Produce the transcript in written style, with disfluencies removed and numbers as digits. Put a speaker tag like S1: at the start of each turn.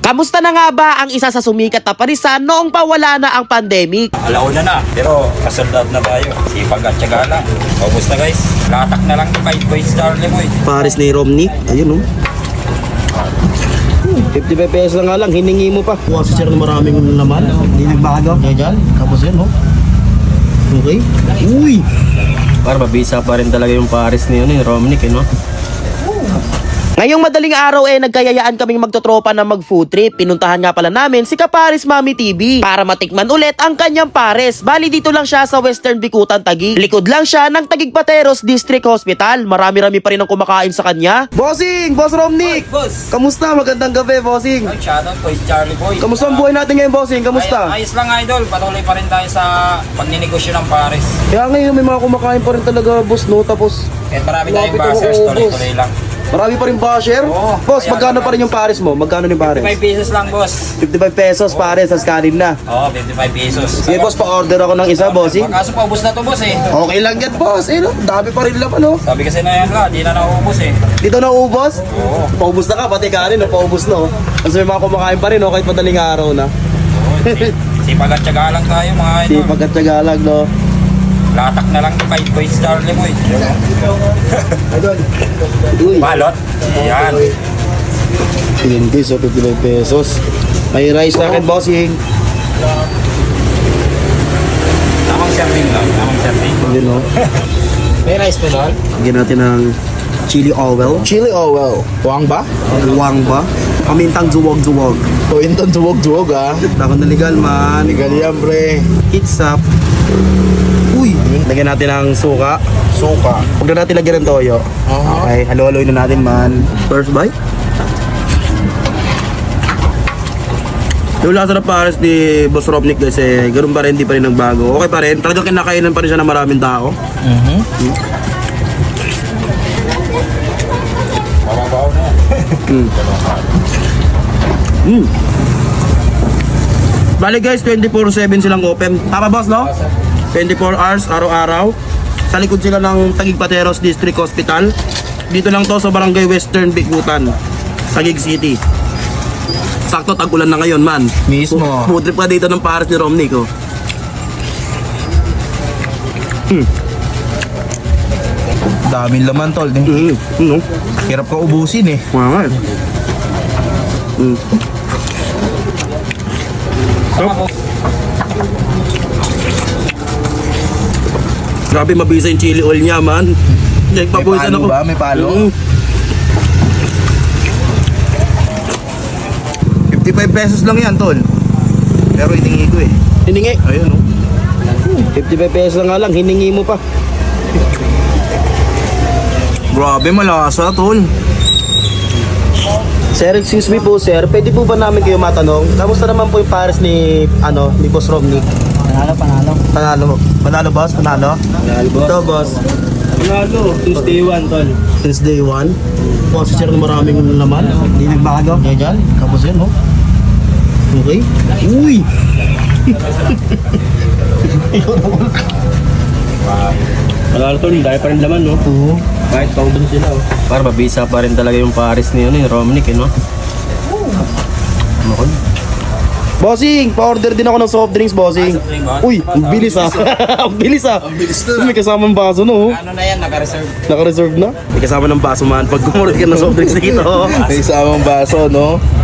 S1: Kamusta na nga ba ang isa sa sumikat na parisan noong pawala na ang pandemic?
S2: Alauna na, pero kasold out na tayo. Sipag at syaga lang. Kamusta guys? Latak na lang kahit boys Charlie boy.
S3: Paris ni Romney. Ayun, oh. 55 pesos lang nga lang, hiningi mo pa. Kuha si sir na maraming laman. Hindi nagbago. Yan. Tapos yan, oh. Okay. Uy! Para mabisa pa rin talaga yung Paris ni Romney, no?
S1: Ngayong madaling araw nagkayayaan kaming magtotropa na mag-food trip. Pinuntahan nga pala namin si Kapares Mami TV para matikman ulit ang kanyang pares. Bali dito lang siya sa Western Bikutan, Taguig. Likod lang siya ng Taguig Pateros District Hospital. Marami-rami pa rin ang kumakain sa kanya.
S3: Bossing! Boss Romney!
S2: Boss!
S3: Kamusta? Magandang gabi, Bossing.
S2: Ay, shoutout boys Charlie boy.
S3: Kamusta ang buhay natin ngayon, Bossing? Kamusta?
S2: Ayos lang idol, patuloy pa rin tayo sa pagninegosyo ng Paris.
S3: Kaya ngayon may mga kumakain pa rin talaga, boss, no? Tapos
S2: Kahit marami tayong
S3: Lapit ako,
S2: bashers,
S3: boss.
S2: tuloy-tuloy lang.
S3: marami pa rin basher.
S2: Oo.
S3: Boss,
S2: Ayan,
S3: magkano pa rin yung pares mo? Magkano yung pares?
S2: 55 pesos lang boss.
S3: 55 pesos pares, tas kanin na.
S2: Oo, 55 pesos.
S3: Sige, boss, pa-order ako ng isa, Bossing.
S2: Kaso paubos na to boss eh.
S3: Okay lang yan, boss. Eh, no? Dami pa rin laman, no?
S2: Sabi kasi na yan ka, di na naubos eh.
S3: Dito na ubos?
S2: Oo.
S3: Paubos na ka, pati kanin, no? Paubos na, oh. Kasi may mga kumakain pa rin, no? Kahit madaling araw na.
S2: Sipag at syaga lang tayo mga idol.
S3: Di pagkatsaga lang, no?
S2: Latak na lang kahit boys Charlie boy.
S3: Uy,
S2: Balot. Yan.
S3: hindi, so 55 pesos. May rice na akin, Bossing.
S2: Tamang serving lang, tamang serving.
S3: Yun, no?
S2: May rice pa doon?
S3: Lagyan natin ng chili oil.
S4: Chili oil. Huwag ba?
S3: Buwang ba? Pamintang duwag-duwag.
S4: O intan duwag-duwag ah.
S3: Takon na legal, man.
S4: Legal yan, pre.
S3: It's up. Uy! Lagyan natin ng suka.
S4: Suka.
S3: Huwag na natin lagyan ng toyo. Okay, halo-haloy na natin, man. First bite. Yung lasa ng pares ni Boss Romnick guys, ganun pa rin, hindi pa rin nagbago. Okay pa rin, talagang kinakainan pa rin siya ng maraming tao.
S2: Mababaw na yan.
S3: Bali guys, 24/7 silang open. Tama boss, no? 24 hours, araw-araw. Sa likod sila ng Taguig Pateros District Hospital. Dito lang to sa Barangay Western Bikutan, Taguig City. Sakto, tag-ulan na ngayon, man.
S4: Mismo.
S3: Food trip pa dito ng pares ni Romney, ko.
S4: Daming laman, tol.
S3: No?
S4: Hirap ka ubusin eh.
S3: Mga nga. Grabe, mabisa yung chili oil niya, man.
S4: May
S3: Nagpapuwisan
S4: palo
S3: ako.
S4: ba? May palo? 55 pesos lang yan, tol. Pero hiningi ko eh.
S3: Hiningi.
S4: Ayun, oh.
S3: 55 pesos lang nga lang, hiningi mo pa.
S4: Grabe, malasa, tol.
S3: Sir, excuse me po, sir. Pwede po ba namin kayo matanong? Kamusta naman po yung pares ni, ni Boss Romney? Panalo, boss? Panalo? Ito, boss.
S5: Panalo, since day 1 tol.
S3: Since day 1. Boss, sir, na maraming laman. Hindi nagbago. Yan. Tapos yan, no? Okay. Uy!
S5: Panalo tol, dahil pa rin laman no.
S3: Oo.
S5: Kahit paubos sila oh.
S1: Para mabisa pa rin talaga yung pares ni Romney, no?
S3: Bossing, pa-order din ako ng soft drinks, bossing.
S2: soft drink ba?
S3: Uy, ang bilis ah. Ang bilis ah. May kasamang baso, no?
S2: Ano na yan, naka-reserve.
S3: Naka-reserve na. May kasama ng baso, man. Pag kumurot ka ng soft drinks dito.
S4: May isamang baso, no?